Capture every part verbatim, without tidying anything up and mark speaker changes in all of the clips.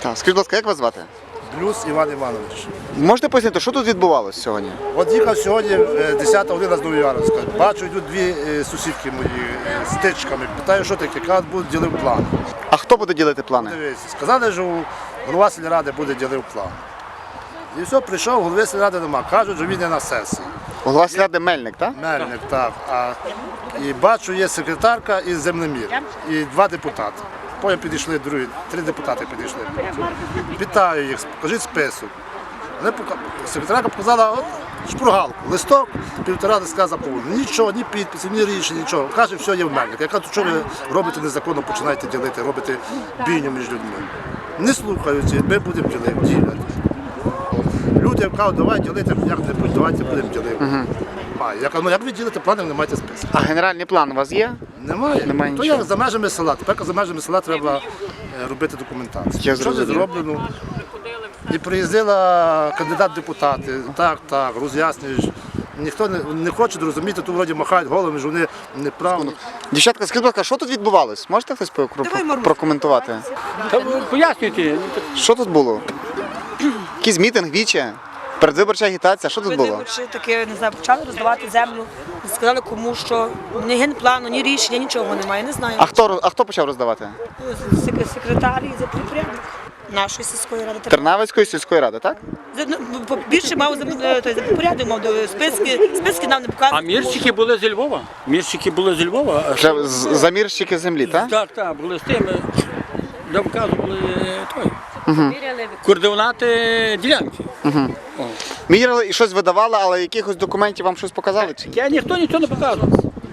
Speaker 1: Так, скажіть, будь ласка, як вас звати?
Speaker 2: Плюс Іван Іванович.
Speaker 1: Можете пояснити, що тут відбувалося сьогодні?
Speaker 2: От їхав сьогодні десята година з Новояровська. Бачу, йдуть дві е, сусідки мої е, з тичками. Питаю, що таке, кажуть, будуть ділив план.
Speaker 1: А хто буде ділити плани?
Speaker 2: Дивіться, сказали, що голова сільради буде ділив план. І все, прийшов, голови сільради нема. Кажуть, що він не на сесії.
Speaker 1: Голова сільради Мельник, так?
Speaker 2: Мельник, так. А, і бачу, є секретарка і землемір, і два депутати. Потім підійшли другі, три депутати підійшли. Вітаю їх, покажіть список. Вони пока- Секретарка показала от, шпургалку, листок, півтора листка заповнено. Нічого, ні підписів, ні рішень, нічого. Каже, все є в Мельник. Я кажу, що ви робите незаконно, починаєте ділити, робите бійню між людьми. Не слухаються, ми будемо ділити, діляти. Люди кажуть, давай ділити як-небудь, давайте будемо ділити. А, я кажу, ну як ви ділите плани, не маєте список.
Speaker 1: А генеральний план у вас є?
Speaker 2: Немає.
Speaker 1: Немає
Speaker 2: То
Speaker 1: нічого.
Speaker 2: як за межами села. Тепер за межами села треба е, робити документацію.
Speaker 1: Я
Speaker 2: Що не
Speaker 1: зрозумів.
Speaker 2: зроблено? І приїздила кандидат в депутати. Так, так, роз'яснюєш. Ніхто не, не хоче зрозуміти, тут вроді махають головами, що вони неправильно.
Speaker 1: Дівчатка, скажіть, будь ласка, що тут відбувалось? Можете хтось про- про- прокоментувати?
Speaker 3: Та ви пояснюйте.
Speaker 1: Що тут було? Якийсь мітинг, віче? Передвиборча агітація, що тут було?
Speaker 4: Виборчі таки, не знаю, почали роздавати землю, сказали кому що, ні генплану, ні рішення, нічого немає, не знаю.
Speaker 1: А хто, а хто почав роздавати?
Speaker 4: Сек- Секретар і підпорядник нашої сільської ради.
Speaker 1: Тернавицької сільської ради, так?
Speaker 4: За- ну, по- Більше мав за е, той, за підпорядник, мав до- списки, списки нам не показували.
Speaker 3: А мірщики були зі Львова. Мірщики були зі Львова. а
Speaker 1: Вже з- замірщики землі, так?
Speaker 3: Так, так, були з тими, де вказували той. Координати ділянки. О.
Speaker 1: Міряли і щось видавали, але якихось документів вам щось показали? Чи?
Speaker 3: Я ніхто нічого не показував.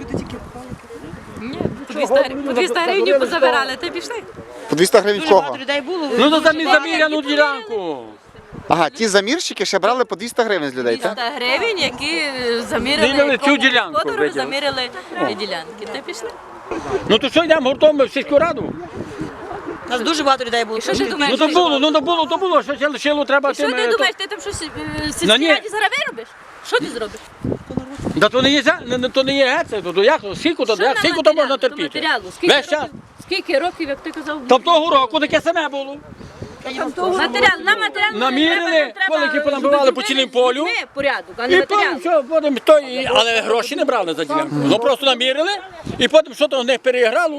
Speaker 5: По двісті гривень- по двісті гривень позабирали, ти пішли?
Speaker 1: По двісті гривень в
Speaker 4: Дуже багато
Speaker 1: кого?
Speaker 4: людей було.
Speaker 3: Ну то замі заміряну ділянку.
Speaker 1: Ага, ті замірщики ще брали по двісті гривень з людей, так?
Speaker 5: двісті гривень, які заміряли
Speaker 3: Заміряли цю
Speaker 5: кому
Speaker 3: ділянку,
Speaker 5: господарю,
Speaker 3: виділи.
Speaker 5: заміряли ділянки. Ти пішли?
Speaker 3: Ну то що йдемо гуртом в сільську раду?
Speaker 4: У нас дуже багато людей було.
Speaker 5: І що ж ти думаєш?
Speaker 3: Ну то було, ну то було, то було, що ще лишило треба
Speaker 5: І що
Speaker 3: тим.
Speaker 5: ти
Speaker 3: е,
Speaker 5: думаєш, ти там щось е, в
Speaker 3: Ну,
Speaker 5: сільській
Speaker 3: ні.
Speaker 5: раді зараз виробиш? Що ти зробиш?
Speaker 3: Да то не є, за- не- не- то не є геце, то, то як, скільки то,
Speaker 5: Що
Speaker 3: як,
Speaker 5: на
Speaker 3: скільки то можна
Speaker 5: матеріалу? До
Speaker 3: терпіти?
Speaker 5: матеріалу. Скільки
Speaker 3: Весь час.
Speaker 5: років, скільки років, як ти казав?
Speaker 3: Там того року таке саме було.
Speaker 5: Матеріал, на матеріал
Speaker 3: Намірили, полики понабивали по цілім полю.
Speaker 5: Ми порядок, а не
Speaker 3: І потім
Speaker 5: матеріал.
Speaker 3: що, потім то, і- але гроші не брали за ділянку. Ну просто намірили, і потім що то в них переіграло,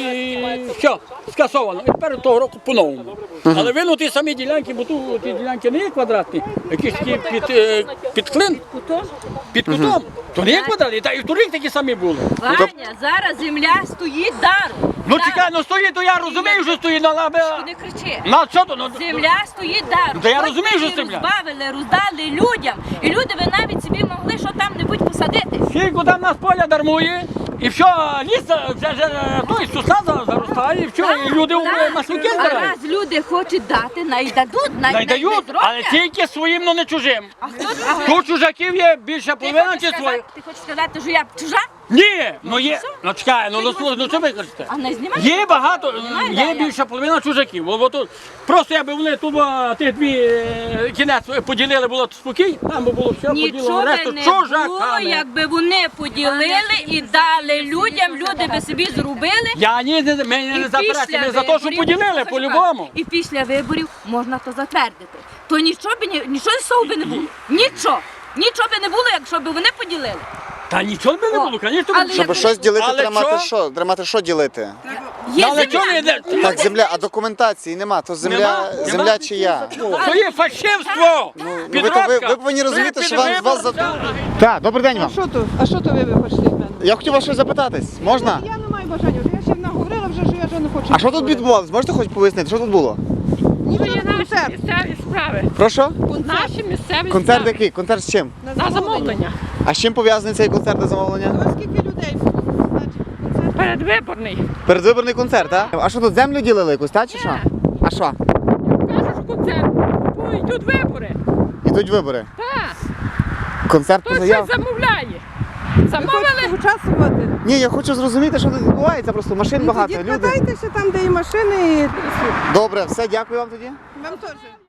Speaker 3: і все, скасовано. І тепер того року по-новому. Але вину ті самі ділянки, бо тут ті ділянки не є квадратні, якісь такі під, е, під клин, під кутом. То не є квадратні, та і в торік такі самі були.
Speaker 5: Ваня, зараз земля стоїть даром.
Speaker 3: Ну чекай, ну стоїть, то я розумію, що стоїть на лабе.
Speaker 5: Не кричи.
Speaker 3: На що то? Ну,
Speaker 5: Земля стоїть даром.
Speaker 3: Та я
Speaker 5: Хоч
Speaker 3: розумію,
Speaker 5: ви
Speaker 3: що
Speaker 5: її
Speaker 3: земля.
Speaker 5: розбавили, роздали людям. І люди ви навіть собі могли що там-небудь посадити.
Speaker 3: скільки там нас поля дармує, і все, ліс вже, вже той сосна за- заростає, і все, і люди
Speaker 5: Так.
Speaker 3: маслюки
Speaker 5: А
Speaker 3: збирають.
Speaker 5: раз люди хочуть дати, найдадуть, най,
Speaker 3: Найдають,
Speaker 5: най-
Speaker 3: але тільки своїм, ну не чужим.
Speaker 5: А хто а,
Speaker 3: Тут чужаків є більша
Speaker 5: ти,
Speaker 3: половина
Speaker 5: хочеш
Speaker 3: чи своїх.
Speaker 5: сказати, ти хочеш сказати, що я чужа?
Speaker 3: Ні, ну є, ну чекай, ну, ну, слухай, ну що ви кажете?
Speaker 5: А не знімай?
Speaker 3: Є багато,
Speaker 5: Немає,
Speaker 3: є
Speaker 5: да,
Speaker 3: більша половина чужаків. Бо, бо тут, просто якби вони тут а, ті дві е, кінець поділили, було спокій, там би було все поділено,
Speaker 5: Нічого
Speaker 3: решту
Speaker 5: би не було,
Speaker 3: чужаками.
Speaker 5: якби вони поділили і дали людям, люди би собі зробили.
Speaker 3: Я ні, не, ми
Speaker 5: І
Speaker 3: не заперечуємо,
Speaker 5: після
Speaker 3: ми за те, що
Speaker 5: виборів-
Speaker 3: поділили
Speaker 5: Слухай,
Speaker 3: по-любому.
Speaker 5: І після виборів можна то затвердити. То нічого би ні- нічого з того би не було. Нічого. Нічого би не було, якщо б вони поділили.
Speaker 3: Та нічого би не
Speaker 5: О,
Speaker 3: було, звісно.
Speaker 5: але
Speaker 1: Щоб
Speaker 5: як-
Speaker 1: щось ділити,
Speaker 3: Але
Speaker 1: треба мати
Speaker 3: що?
Speaker 1: що? Треба мати що ділити?
Speaker 5: Є
Speaker 3: Але чого не
Speaker 5: земля.
Speaker 3: йде?
Speaker 1: Так, земля, а документації нема, то земля,
Speaker 3: Нема,
Speaker 1: земля
Speaker 3: нема.
Speaker 1: чия?
Speaker 3: То є фальшивство!
Speaker 1: Ну, ви, то, ви, ви повинні розуміти, що вам з вас за...
Speaker 3: за...
Speaker 1: Так, добрий день вам.
Speaker 6: Що то? А що то ви ви хочете від мене?
Speaker 1: Я хотів вас щось запитатись, можна?
Speaker 6: Я не маю бажання, вже я ще наговорила, вже що я вже не хочу.
Speaker 1: А що тут відбувалось? Можете хоч пояснити, що тут було?
Speaker 6: Ніби є концерт.
Speaker 7: Місцеві справи.
Speaker 1: Прошу?
Speaker 7: Наші місцеві
Speaker 1: Концерт
Speaker 7: справи.
Speaker 1: який? Концерт з чим?
Speaker 7: На замовлення.
Speaker 1: А з чим пов'язаний цей концерт на замовлення?
Speaker 6: Ось скільки людей було, значить, концерт.
Speaker 7: Передвиборний.
Speaker 1: Передвиборний концерт, так? А що тут землю ділили якусь, так чи що? А що?
Speaker 7: Кажуть, що концерт. Бо йдуть вибори.
Speaker 1: Ідуть вибори.
Speaker 7: Так.
Speaker 1: Концерт по
Speaker 7: Хтось
Speaker 1: заявах.
Speaker 7: щось замовляє.
Speaker 6: Ви
Speaker 7: Замовили.
Speaker 6: хочете участвувати?
Speaker 1: Ні, я хочу зрозуміти, що тут відбувається, просто машин
Speaker 6: Ну,
Speaker 1: багато,
Speaker 6: тоді
Speaker 1: люди.
Speaker 6: катайтеся там, де і машини, і
Speaker 1: Добре, все, дякую вам тоді.
Speaker 6: вам теж.